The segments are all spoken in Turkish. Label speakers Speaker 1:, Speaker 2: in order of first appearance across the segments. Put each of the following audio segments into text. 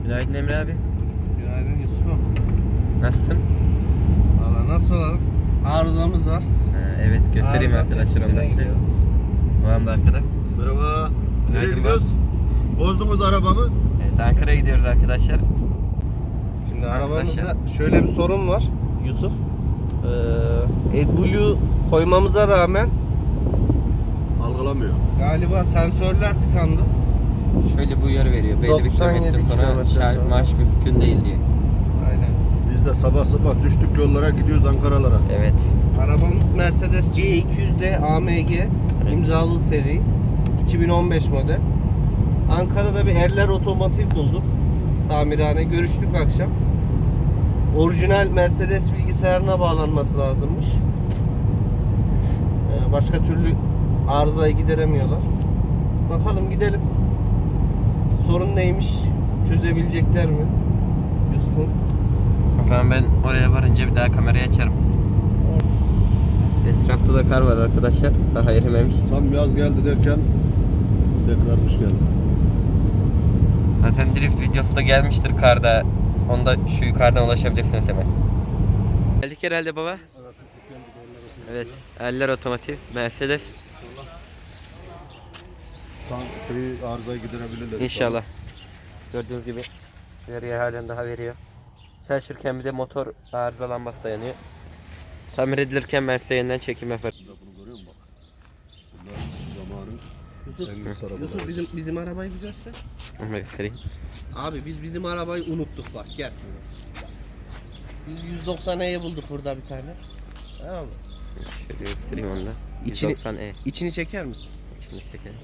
Speaker 1: Günaydın Emre abi.
Speaker 2: Günaydın Yusuf'um.
Speaker 1: Nasılsın?
Speaker 2: Valla nasıl olalım? Arızamız var.
Speaker 1: Evet göstereyim
Speaker 2: Arıza
Speaker 1: arkadaşlar
Speaker 2: tespitine
Speaker 1: ondan size.
Speaker 2: gidiyoruz.
Speaker 1: Babam da arkada.
Speaker 3: Merhaba. Nereye
Speaker 1: Günaydın
Speaker 3: gidiyoruz? Bozdunuz arabamı.
Speaker 1: Evet Ankara'ya gidiyoruz arkadaşlar.
Speaker 2: Şimdi
Speaker 1: Arkadaşlar.
Speaker 2: arabamızda şöyle bir sorun var Yusuf. AdBlue koymamıza rağmen
Speaker 3: Algılamıyor.
Speaker 2: galiba sensörler tıkandı.
Speaker 1: Şöyle bu uyarı veriyor. Belli bir
Speaker 2: 97
Speaker 1: kilometre sonra
Speaker 2: kilometre
Speaker 1: şarj
Speaker 2: sonra.
Speaker 1: marş mümkün değil diye.
Speaker 2: Aynen.
Speaker 3: Biz de sabah sabah düştük yollara gidiyoruz Ankaralara.
Speaker 1: Evet.
Speaker 2: Arabamız Mercedes C200D AMG imzalı seri 2015 model. Ankara'da bir Erler Otomotiv bulduk. Tamirhane. Görüştük akşam. Orijinal Mercedes bilgisayarına bağlanması lazımmış. Başka türlü arızayı gideremiyorlar. Bakalım gidelim. Sorun neymiş? Çözebilecekler mi? Yusuf'um.
Speaker 1: O zaman ben oraya varınca bir daha kamerayı açarım. Evet, etrafta da kar var arkadaşlar. Daha erimemiş.
Speaker 3: Tam yaz geldi derken tekrar kış geldi.
Speaker 1: Zaten drift videosu da gelmiştir karda. Onda şu yukarıdan ulaşabilirsiniz hemen. Geldik herhalde baba. Evet. Eller otomotiv. Mercedes.
Speaker 3: Tam arızayı giderebilirler.
Speaker 1: İnşallah. Gördüğünüz gibi veriyor, halen daha veriyor. Çalışırken bir de motor arıza lambası da yanıyor. Tamir edilirken ben size yeniden çekim yaparım.
Speaker 3: Bunu görüyor musun bak? Bunlar zamanın
Speaker 2: Yusuf,
Speaker 3: en lüks arabaları.
Speaker 2: Yusuf bizim arabayı bir göster.
Speaker 1: Onu da göstereyim.
Speaker 2: Abi biz bizim arabayı unuttuk bak gel. Biz 190E'yi bulduk burada bir tane. Tamam mı?
Speaker 1: Şöyle göstereyim onu da.
Speaker 2: İçini-
Speaker 1: 190E.
Speaker 2: İçini çeker misin?
Speaker 1: İçinde çekelim.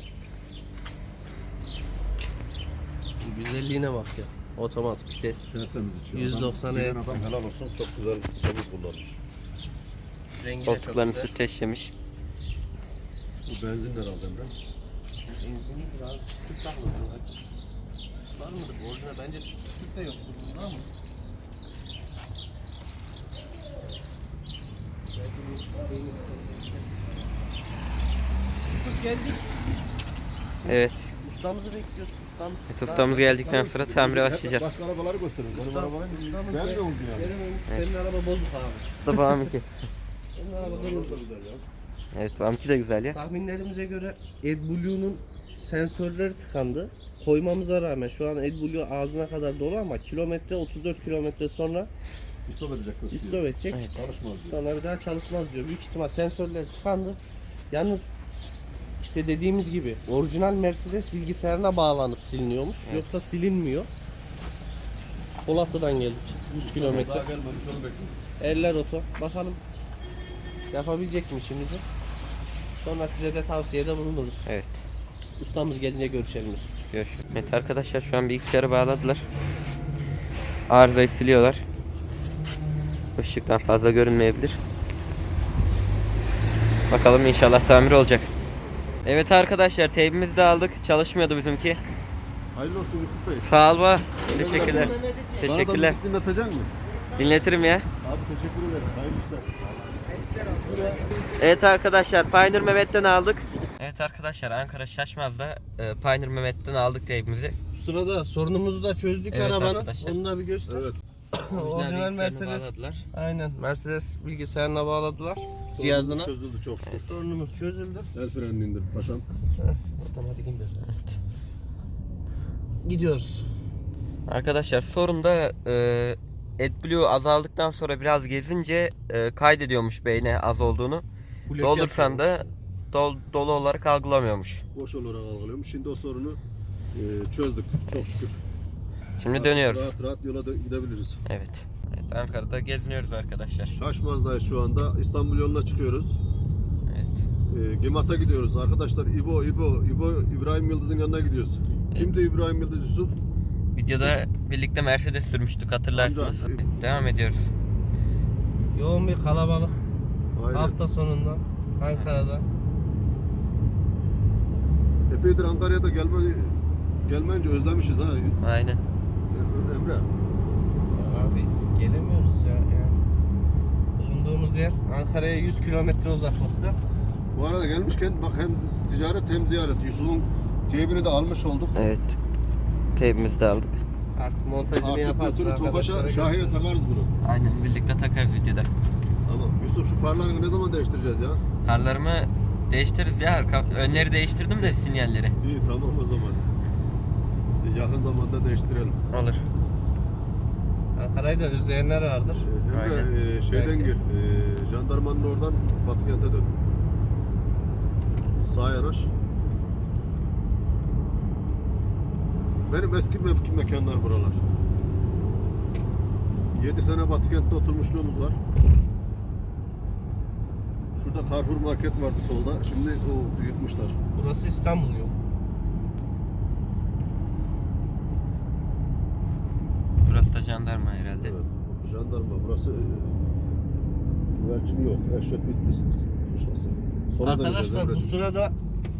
Speaker 2: Güzelliğine bak ya. Otomatik vites.
Speaker 3: Tertemiz içiyor.
Speaker 2: 190
Speaker 3: Giden adam helal olsun, çok güzel temiz kullanmış.
Speaker 2: Rengi de çok
Speaker 1: Koltuklarını
Speaker 2: güzel.
Speaker 1: streçlemiş.
Speaker 3: Bu benzin herhalde Emre.
Speaker 2: Benzini biraz tüp takıldı. Var mıdır? Orijinal bence tüp de yoktur bunda ama. Yusuf geldik.
Speaker 1: Evet.
Speaker 2: Ustamızı bekliyoruz. Ustamız.
Speaker 1: Ustamız geldikten sonra tamire başlayacağız.
Speaker 3: Başka arabaları gösteriyoruz. Benim arabalarım ben de oldu yani.
Speaker 2: Senin araba bozuk abi.
Speaker 1: Bu da babamınki.
Speaker 2: Senin araba bozuk.
Speaker 1: Evet babamınki de güzel ya.
Speaker 2: Tahminlerimize göre AdBlue'nun sensörleri tıkandı. Koymamıza rağmen şu an AdBlue ağzına kadar dolu ama kilometre 34 kilometre sonra
Speaker 3: İstop edecek.
Speaker 2: istop edecek.
Speaker 1: Evet.
Speaker 3: Çalışmaz diyor.
Speaker 2: Sonra bir daha çalışmaz diyor. Büyük ihtimal sensörler tıkandı. Yalnız işte dediğimiz gibi orijinal Mercedes bilgisayarına bağlanıp siliniyormuş.
Speaker 1: Evet.
Speaker 2: Yoksa silinmiyor. Polatlı'dan geldik. 100 kilometre.
Speaker 3: Daha gelmemiş onu bekliyoruz.
Speaker 2: Eller oto. Bakalım yapabilecek mi işimizi? Sonra size de tavsiyede bulunuruz.
Speaker 1: Evet.
Speaker 2: Ustamız gelince görüşelim Yusuf.
Speaker 1: Görüşürüz. Evet arkadaşlar şu an bilgisayarı bağladılar. Arızayı siliyorlar. Işıktan fazla görünmeyebilir. Bakalım inşallah tamir olacak. Evet arkadaşlar teybimizi de aldık. Çalışmıyordu bizimki.
Speaker 3: Hayırlı olsun Yusuf Bey.
Speaker 1: Sağ ol baba. Teşekkürler. Teşekkürler.
Speaker 3: Bana da müzik dinletecek misin?
Speaker 1: Dinletirim ya.
Speaker 3: Abi teşekkür ederim. Hayırlı işler.
Speaker 1: Evet arkadaşlar Pioneer Mehmet'ten aldık. Evet arkadaşlar Ankara Şaşmaz'da Pioneer Mehmet'ten aldık teybimizi.
Speaker 2: Bu sırada sorunumuzu da çözdük
Speaker 1: Evet
Speaker 2: arabanın.
Speaker 1: arkadaşlar.
Speaker 2: Onu da bir göster.
Speaker 3: Evet.
Speaker 2: Orijinal Mercedes.
Speaker 1: Bağladılar.
Speaker 2: Aynen. Mercedes bilgisayarına bağladılar. Cihazına.
Speaker 3: Sorunumuz çözüldü çok şükür.
Speaker 2: Sorunumuz çözüldü.
Speaker 3: El frenini indir paşam.
Speaker 2: Otomatik indir. Gidiyoruz.
Speaker 1: Arkadaşlar sorun da AdBlue azaldıktan sonra biraz gezince kaydediyormuş beyne az olduğunu.
Speaker 2: Blok
Speaker 1: Doldursan da dolu olarak algılamıyormuş.
Speaker 3: Boş olarak algılıyormuş. Şimdi o sorunu çözdük çok şükür.
Speaker 1: Şimdi dönüyoruz.
Speaker 3: Rahat rahat yola gidebiliriz.
Speaker 1: Evet. Evet Ankara'da geziniyoruz arkadaşlar.
Speaker 3: Şaşmaz'dayız şu anda. İstanbul yoluna çıkıyoruz.
Speaker 1: Evet.
Speaker 3: Gimat'a gidiyoruz. Arkadaşlar İbo İbrahim Yıldız'ın yanına gidiyoruz. Kimdi İbrahim Yıldız Yusuf?
Speaker 1: Videoda birlikte Mercedes sürmüştük hatırlarsınız.
Speaker 3: Amca.
Speaker 1: Evet, devam ediyoruz.
Speaker 2: Yoğun bir kalabalık.
Speaker 3: Aynen.
Speaker 2: Hafta sonunda Ankara'da.
Speaker 3: Epeydir Ankara'ya da gelmeyince özlemişiz ha.
Speaker 1: Aynen.
Speaker 3: Emre.
Speaker 2: Abi gelemiyoruz ya. Yani. Bulunduğumuz yer Ankara'ya 100 kilometre uzaklıkta.
Speaker 3: Bu arada gelmişken bak hem ticaret hem ziyaret. Yusuf'un teybini de almış olduk.
Speaker 1: Evet. Teybimizi de aldık.
Speaker 2: Artık montajını
Speaker 3: Artık
Speaker 2: yaparsın.
Speaker 3: götürüp Tofaş'a
Speaker 2: arkadaşlara
Speaker 3: Şahin'e
Speaker 2: gösteririz.
Speaker 3: takarız bunu.
Speaker 1: Aynen birlikte takarız videoda.
Speaker 3: Tamam. Yusuf şu farlarını ne zaman değiştireceğiz ya?
Speaker 1: Farlarımı değiştiririz ya. Önleri değiştirdim de sinyalleri.
Speaker 3: İyi tamam o zaman. Yakın zamanda değiştirelim.
Speaker 1: Olur.
Speaker 2: Ankara'yı da özleyenler vardır.
Speaker 3: Emre
Speaker 1: Aynen.
Speaker 3: şeyden
Speaker 2: Belki.
Speaker 3: gir. Jandarmanın oradan Batıkent'e dön. Sağa yanaş. Benim eski mekanlar buralar. 7 sene Batıkent'te oturmuşluğumuz var. Şurada Carrefour market vardı solda. Şimdi o yıkmışlar.
Speaker 2: Burası İstanbul yolu.
Speaker 1: Burası da jandarma herhalde.
Speaker 3: Evet. Jandarma burası güvercin yok. Eşref Bitlis kuşlası. Sola döneceğiz
Speaker 2: Arkadaşlar bu
Speaker 3: Emre'cim.
Speaker 2: sırada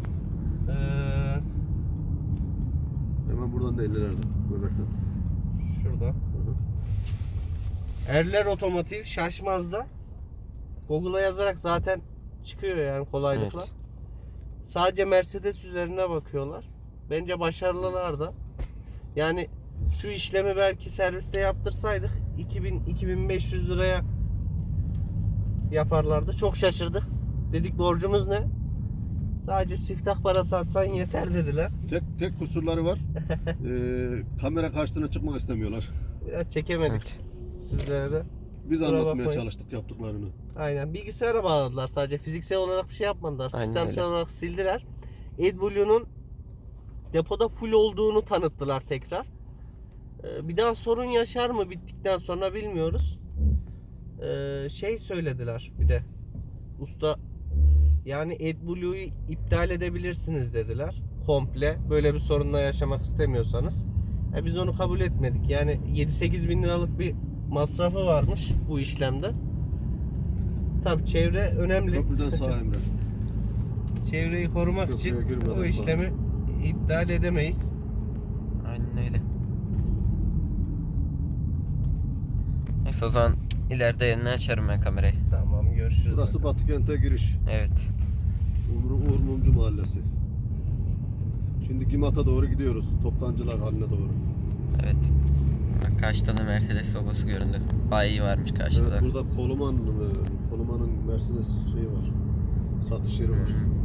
Speaker 3: Hemen buradan da 50'lerde. Göbekten.
Speaker 2: şurada.
Speaker 3: Hı hı.
Speaker 2: Erler Otomotiv Şaşmaz'da Google'a yazarak zaten çıkıyor yani kolaylıkla.
Speaker 1: Evet.
Speaker 2: Sadece Mercedes üzerine bakıyorlar. Bence başarılılar da. Yani şu işlemi belki serviste yaptırsaydık 2000-2500 liraya yaparlardı. Çok şaşırdık. Dedik borcumuz ne? Sadece siftah parası atsan yeter dediler.
Speaker 3: Tek kusurları var. Kamera karşısına çıkmak istemiyorlar.
Speaker 2: Biraz çekemedik
Speaker 1: Evet.
Speaker 2: sizlere de.
Speaker 3: Biz
Speaker 2: Kusura
Speaker 3: anlatmaya
Speaker 2: bakmayın.
Speaker 3: çalıştık yaptıklarını.
Speaker 2: Aynen. Bilgisayara bağladılar sadece. Fiziksel olarak bir şey yapmadılar.
Speaker 1: Aynen
Speaker 2: Sistemsel
Speaker 1: öyle.
Speaker 2: olarak sildiler. AdBlue'nun depoda full olduğunu tanıttılar tekrar. Bir daha sorun yaşar mı bittikten sonra bilmiyoruz. Şey söylediler bir de. Usta yani AdBlue'yu iptal edebilirsiniz dediler. Komple. Böyle bir sorunla yaşamak istemiyorsanız. Biz onu kabul etmedik. Yani 7-8 bin liralık bir masrafı varmış bu işlemde. Tabii çevre önemli.
Speaker 3: Köprüden sağa Emre.
Speaker 2: Çevreyi korumak
Speaker 3: Köprüye
Speaker 2: için
Speaker 3: girmeden
Speaker 2: o işlemi iptal edemeyiz.
Speaker 1: Aynen öyle. Neyse o zaman ileride yeniden açarım ben kamerayı.
Speaker 2: Tamam görüşürüz.
Speaker 3: Burası Batıkent'e giriş.
Speaker 1: Evet.
Speaker 3: Uğur Mumcu Mahallesi. Şimdi Gimat'a doğru gidiyoruz. Toptancılar haline doğru.
Speaker 1: Evet. Bak, karşıda da Mercedes logosu göründü. Bayi varmış karşıda.
Speaker 3: Evet, burada Koluman'ın Mercedes şeyi var. Satış yeri var.
Speaker 1: Hı.